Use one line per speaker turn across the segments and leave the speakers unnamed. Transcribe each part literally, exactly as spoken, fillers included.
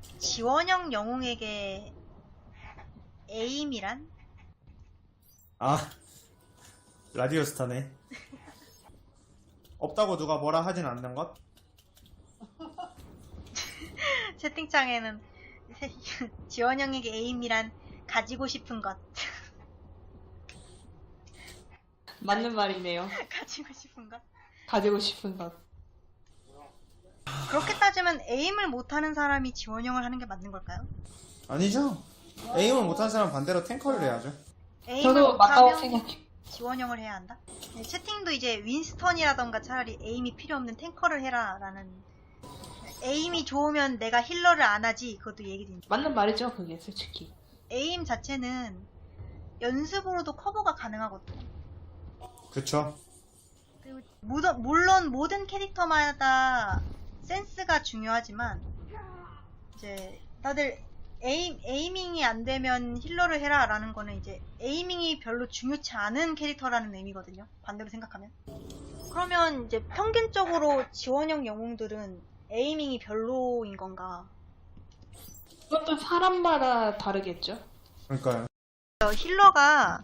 지원형 영웅에게 에임이란?
아, 라디오 스타네. 없다고 누가 뭐라 하진 않는 것?
채팅창에는 지원형에게 에임이란 가지고 싶은 것.
맞는 말이네요.
가지고 싶은 것.
가지고 싶은 것.
그렇게 따지면 에임을 못하는 사람이 지원형을 하는 게 맞는 걸까요?
아니죠. 에임을 못하는 사람 반대로 탱커를 해야죠.
에임을
저도 맞다고
못하면
생각해요.
지원형을 해야 한다? 네, 채팅도 이제 윈스턴이라던가 차라리 에임이 필요 없는 탱커를 해라 라는, 에임이 좋으면 내가 힐러를 안 하지, 그것도 얘기 드립니다.
맞는 말이죠, 그게 솔직히.
에임 자체는 연습으로도 커버가 가능하거든요.
그쵸.
그리고 모든, 물론 모든 캐릭터마다 센스가 중요하지만 이제 다들 에임, 에이밍이 안 되면 힐러를 해라 라는 거는 이제 에이밍이 별로 중요치 않은 캐릭터라는 의미거든요, 반대로 생각하면. 그러면 이제 평균적으로 지원형 영웅들은 에이밍이 별로인 건가?
그것도 사람마다 다르겠죠.
그러니까요.
힐러가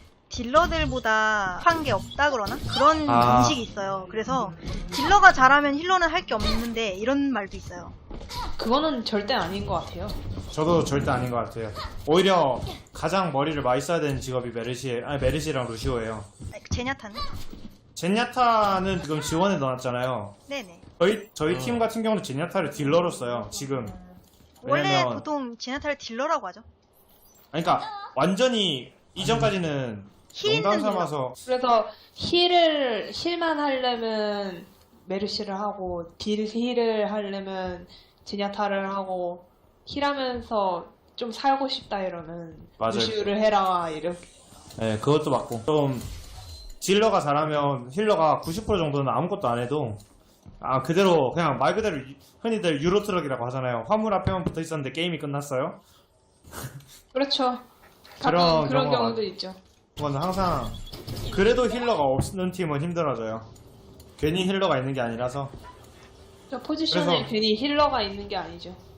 딜러들보다 한 게 없다 그러나? 그런
아.
인식이 있어요. 그래서 딜러가 잘하면 힐러는 할 게 없는데 이런 말도 있어요.
그거는 절대 아닌 것 같아요.
저도 절대 아닌 것 같아요. 오히려 가장 머리를 많이 써야 되는 직업이 메르시, 아니 메르시랑 루시오예요.
아니, 제냐타는?
젠야타는 지금 지원에 넣었잖아요.
네네.
저희 저희 팀 같은 경우는 젠야타를 딜러로 써요. 지금.
원래
왜냐면
보통 제냐타를 딜러라고 하죠.
아니, 그러니까 완전히 이전까지는
힐 있는
농담
딜러.
삼아서
그래서 힐을 힐만 하려면 메르시를 하고 딜 힐을 하려면 제냐타를 하고 힐하면서 좀 살고 싶다 이러면
맞아요.
루시우를 해라 이렇게.
네, 그것도 맞고 좀 딜러가 잘하면 힐러가 구십 퍼센트 정도는 아무것도 안 해도 아 그대로 그냥 말 그대로 유- 흔히들 유로트럭이라고 하잖아요. 화물 앞에만 붙어 있었는데 게임이 끝났어요.
그렇죠.
그런
가끔 그런
경우가
경우도 있죠.
그건 항상 그래도 힐러가 없는 팀은 힘들어져요. 괜히 힐러가 있는 게 아니라서.
저 포지션에
그래서-
괜히 힐러가 있는 게 아니죠.